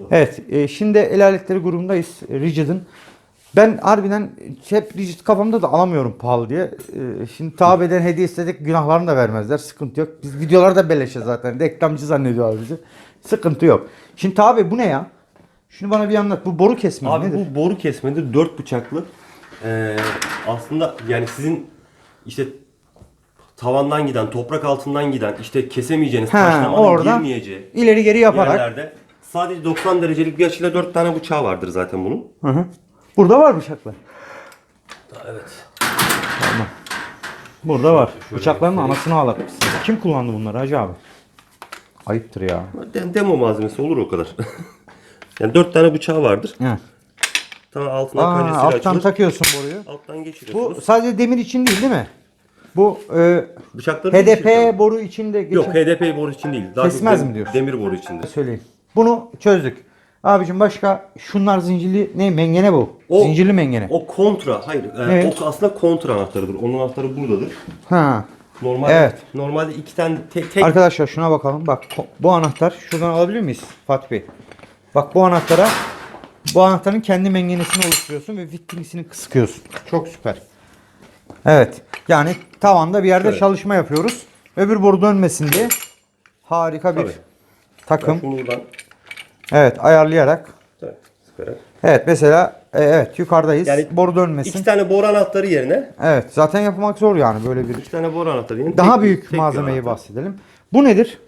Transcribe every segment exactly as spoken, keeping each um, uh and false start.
Evet, e, şimdi el aletleri grubundayız. E, Rigid'in. Ben harbiden hep Rigid kafamda da alamıyorum pahalı diye. E, şimdi tabi eden hediye istedik, günahlarını da vermezler. Sıkıntı yok. Biz videolarda beleşe zaten. Reklamcı zannediyorlar bizi. Sıkıntı yok. Şimdi tabi bu ne ya? Şunu bana bir anlat. Bu boru kesme Abi nedir? bu boru kesmedir. Dört bıçaklı. Ee, aslında yani sizin işte tavandan giden, toprak altından giden, işte kesemeyeceğiniz, Ha, taşlamanın oradan girmeyeceği ileri geri yaparak. yerlerde sadece doksan derecelik bir açıyla dört tane bıçağı vardır zaten bunun. Hı hı. Burada var bıçaklar. Evet. Tamam. Burada var. Şöyle Bıçakların göstereyim. anasını ağlatmışsın. Kim kullandı bunları hacı abi? Ayıptır ya. De- Demo malzemesi olur o kadar. Yani dört tane bıçağı vardır. He. Tamam, altına Aa, kancasıyla alttan açılır. takıyorsun boruyu. Alttan Bu geçiriyorsunuz. sadece demir için değil değil mi? Bu e, Bıçakları H D geçiriyorsunuz. P boru içinde geçin. Yok, H D P boru için değil. Daha çok Kesmez dem- mi diyorsun? Demir boru içindir. Söyleyeyim. Bunu çözdük. Abicim başka şunlar zincirli ne mengene bu? O- zincirli mengene. O kontra, hayır. e, Evet. O aslında kontra anahtarıdır. Onun anahtarı buradadır. Ha. Normalde, Evet. normalde iki tane tek, tek Arkadaşlar şuna bakalım. Bak ko- bu anahtar şuradan alabilir miyiz Fatih Bey? Bak bu anahtara bu anahtarın kendi mengenesini oluşturuyorsun ve vitringisini sıkıyorsun. Çok süper. Evet. Yani tavanda bir yerde Şöyle. çalışma yapıyoruz. Öbür boru dönmesin diye harika bir Tabii. takım. şunu buradan Evet, ayarlayarak. tabii, sıkarak. Evet, mesela e, evet yukarıdayız. Yani boru dönmesin. İki tane boru anahtarı yerine Evet, zaten yapmak zor yani böyle bir. iki tane boru anahtarı yerine Daha tek- büyük tek bir malzemeyi anahtar. bahsedelim. Bu nedir?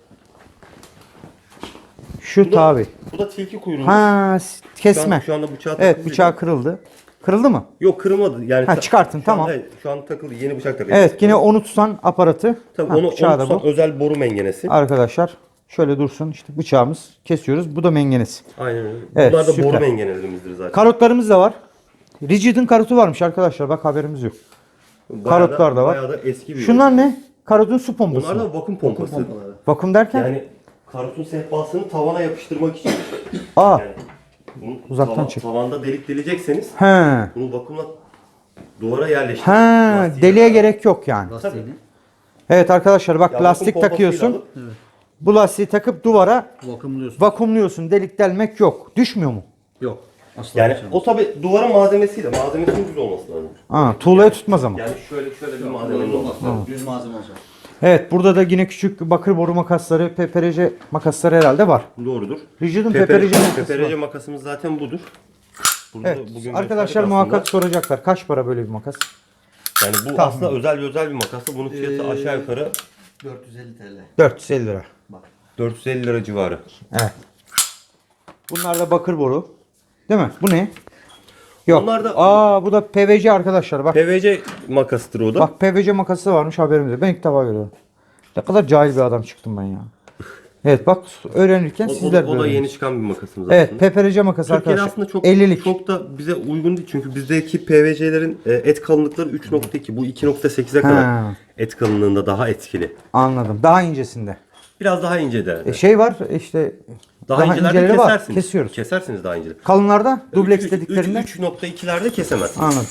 Şu Bu da, tabi. bu da tilki kuyruğu. Ha, s- Şu, kesme. an, şu anda bıçağı Evet, takılı bıçağı değil. kırıldı. Kırıldı mı? Yok, kırılmadı. Yani Ha, ta- çıkartın, şu tamam. An, hayır, şu an takılı. Yeni bıçak takılı. Evet, yine onu tutan aparatı. Tabii Ha, onu, onu bıçağı da tutan bu. özel boru mengenesi. Arkadaşlar şöyle dursun, işte bıçağımız kesiyoruz. Bu da mengenesi. Aynen öyle. Evet, Bunlar da süper. boru mengenelerimizdir zaten. Karotlarımız da var. Rigid'in karotu varmış arkadaşlar. Bak haberimiz yok. Bayağı karotlar da var. Bayağı da eski bir Şunlar ne? Karotun su pompası. Bunlar mı? da vakum pompası. Vakum derken? Yani karotun sehpasını tavana yapıştırmak için. Aa. Yani bunu Uzaktan tava- çek. Tavanda delik delecekseniz He. bunu vakumla duvara yerleştirin. He. Lastiği Deliğe de- gerek yok yani. Tabii. Evet arkadaşlar bak Ya lastik vakum pompasıyla takıyorsun. alıp- Bu lastiği takıp duvara Vakumluyorsun. vakumluyorsun. Delik delmek yok. Düşmüyor mu? Yok. Asla Yani düşemez. o tabi duvara malzemesiyle, malzemesinin düz olması lazım. Ha, tuğlaya tutmaz ama. Yani şöyle şöyle bir Yok, malzeme öyle olması olmaz. lazım. Düz malzeme olacak. Evet burada da yine küçük bakır boru makasları, P P R C makasları herhalde var. Doğrudur. Rigid'in P Pepe- P R C makası P P R C var. makasımız zaten budur. Burada Evet. da bugün Arkadaşlar gösterdik muhakkak aslında. soracaklar. Kaç para böyle bir makas? Yani bu Tahmin. aslında özel bir özel bir makası. Bunun fiyatı Ee, aşağı yukarı dört yüz elli TL. dört yüz elli lira. dört yüz elli lira civarı. Evet. Bunlar da bakır boru. Değil mi? Bu ne? Yok. Bunlar da- Aa bu da P V C arkadaşlar. Bak P V C makasıdır o da. bak P V C makası varmış haberimiz yok. Ben ilk defa görüyorum. Ne kadar cahil bir adam çıktım ben ya. Evet bak öğrenirken o, o, sizler da- de o da öğrenin. yeni çıkan bir makasımız Evet aslında. P P R C makası Türkiye'de arkadaşlar. aslında çok ellilik. çok da bize uygun değil. Çünkü bizdeki P V C'lerin e, et kalınlıkları üç nokta iki. Bu iki nokta sekize kadar Ha. et kalınlığında daha etkili. Anladım. Daha incesinde. Biraz daha ince de. E, şey var işte daha, daha incelerde inceleri var. kesersiniz. Kesiyoruz. Kesersiniz daha inceleri. Kalınlarda dubleks Üç- dediklerinde. üç- üç nokta ikilerde kesemezsiniz. Anladım.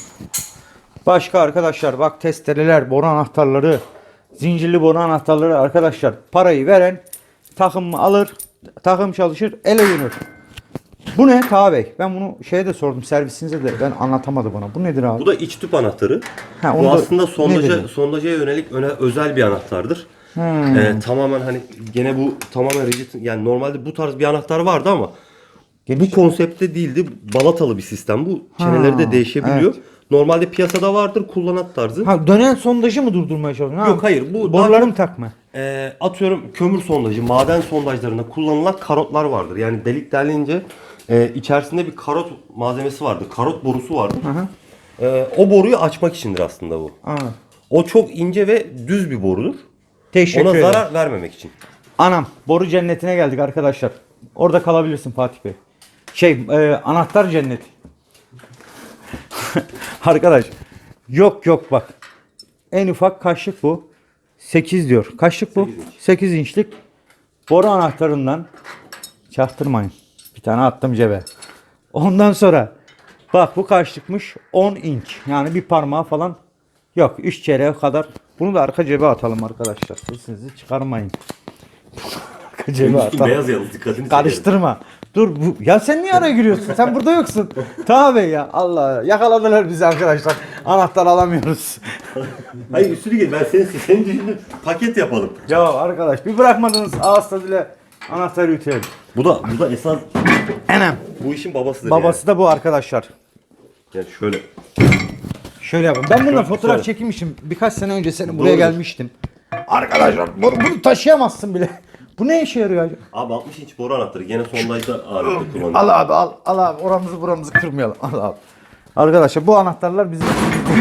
Başka arkadaşlar bak testereler, boru anahtarları, zincirli boru anahtarları arkadaşlar parayı veren takım alır, takım çalışır, ele dönür. Bu ne Taha Bey? Ben bunu şeye de sordum servisinize de ben anlatamadı bana. Bu nedir abi? Bu da iç tüp anahtarı. Ha, onu Bu da- aslında ne sondaja, dedi? sondaja yönelik öne, özel bir anahtardır. Hmm. Ee, tamamen hani gene bu tamamen rigid, yani normalde bu tarz bir anahtar vardı ama bu konseptte değildi. Balatalı bir sistem bu. Çeneleri de değişebiliyor. evet. Normalde piyasada vardır kullanat tarzı. Ha, dönen sondajı mı durdurmaya çalışıyorsun? Yok, hayır, bu borularım daha- takma. Ee, atıyorum kömür sondajı, maden sondajlarında kullanılan karotlar vardır. Yani delik delince e, içerisinde bir karot malzemesi vardır. Karot borusu vardır. Ee, o boruyu açmak içindir aslında bu. Anladım. O çok ince ve düz bir borudur. Teşekkür Ona ederim. zarar vermemek için. Anam boru cennetine geldik arkadaşlar. Orada kalabilirsin Fatih Bey. Şey e, anahtar cenneti. Arkadaş yok yok bak. En ufak kaşlık bu. sekiz diyor. Kaşlık bu? sekiz inç. sekiz inçlik boru anahtarından çaktırmayın. Bir tane attım cebe. Ondan sonra bak bu kaçlıkmış? on inç. Yani bir parmağı falan yok. üç çeyreğe kadar. Bunu da arka cebe atalım arkadaşlar. Sesinizi çıkarmayın. Arka cebe Üstü atalım. beyaz yalnız dikkatini çekerim. Karıştırma. Dur bu, ya sen niye araya giriyorsun? Sen burada yoksun. Tabii ya Allah yakaladılar bizi arkadaşlar. Anahtar alamıyoruz. Hayır üstünü gel. Ben senin senin düşündüğün paket yapalım. Ya arkadaş bir bırakmadınız ağız tadıyla anahtarı yutayım. Bu da bu da esas Enem. bu işin babasıdır. Babası da bu arkadaşlar. Yani, yani şöyle. Şöyle yapın. Ben bununla Şöyle, fotoğraf şöyle. çekmişim. Birkaç sene önce senin buraya Doğru. gelmiştim. Arkadaşlar bunu, bunu taşıyamazsın bile. Bu ne işe yarıyor acaba? Abi altmış inç boru anahtarı. Gene sondajda ağırlıklı kullanılıyor. Al abi al. Al abi oramızı buramızı kırmayalım. Al abi. Arkadaşlar bu anahtarlar bizim.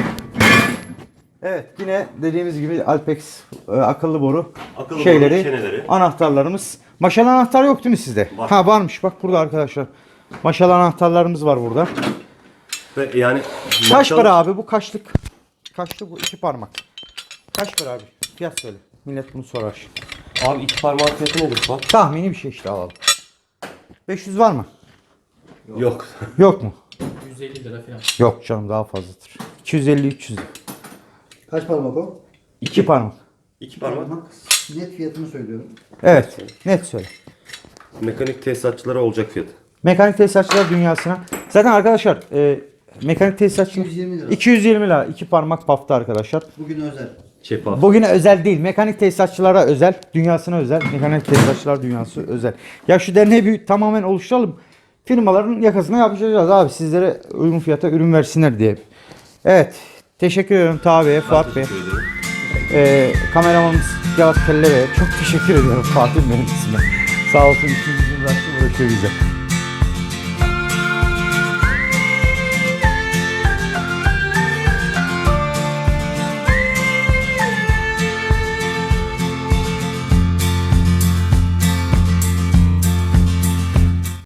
Evet yine dediğimiz gibi Alpex e, akıllı boru Akıllı şeyleri, boru çeneleri. anahtarlarımız. Maşalı anahtar yok değil mi sizde? Var. Ha varmış bak burada arkadaşlar. Maşalı anahtarlarımız var burada. Ve yani Kaç maşallah- para abi bu kaçlık? Kaçlık bu iki parmak. Kaç para abi? Fiyat söyle. Millet bunu sorar şimdi. Abi iki parmağın fiyatı nedir bak? Tahmini bir şey işte alalım. beş yüz var mı? Yok. Yok mu? yüz elli lira falan. Yok canım daha fazladır. iki yüz elli üç yüz. Kaç parmak o? iki parmak. İki parmak. Net fiyatını söylüyorum. Evet. Net söyle. Mekanik tesisatçılara olacak fiyat. Mekanik tesisatçılar dünyasına. Zaten arkadaşlar e, mekanik tesisatçılar iki yüz yirmi lira. iki yüz yirmi lira. iki parmak pafta arkadaşlar. Bugün özel. Şeffaf. Bugüne özel değil. Mekanik tesisatçılara özel. Dünyasına özel. Mekanik tesisatçılar dünyası özel. Ya şu derneği bir tamamen oluşturalım. Firmaların yakasına yapacağız abi. Sizlere uygun fiyata ürün versinler diye. Evet. Teşekkür ediyorum Taha Bey'e, Fuat Bey'e. Teşekkür ederim. Ee, kameramanımız Yavuz Kelle Bey'e çok teşekkür ediyorum. Fatih benim ismim. Sağ olsun. İkinci gün uğraştı uğraşıyor bize.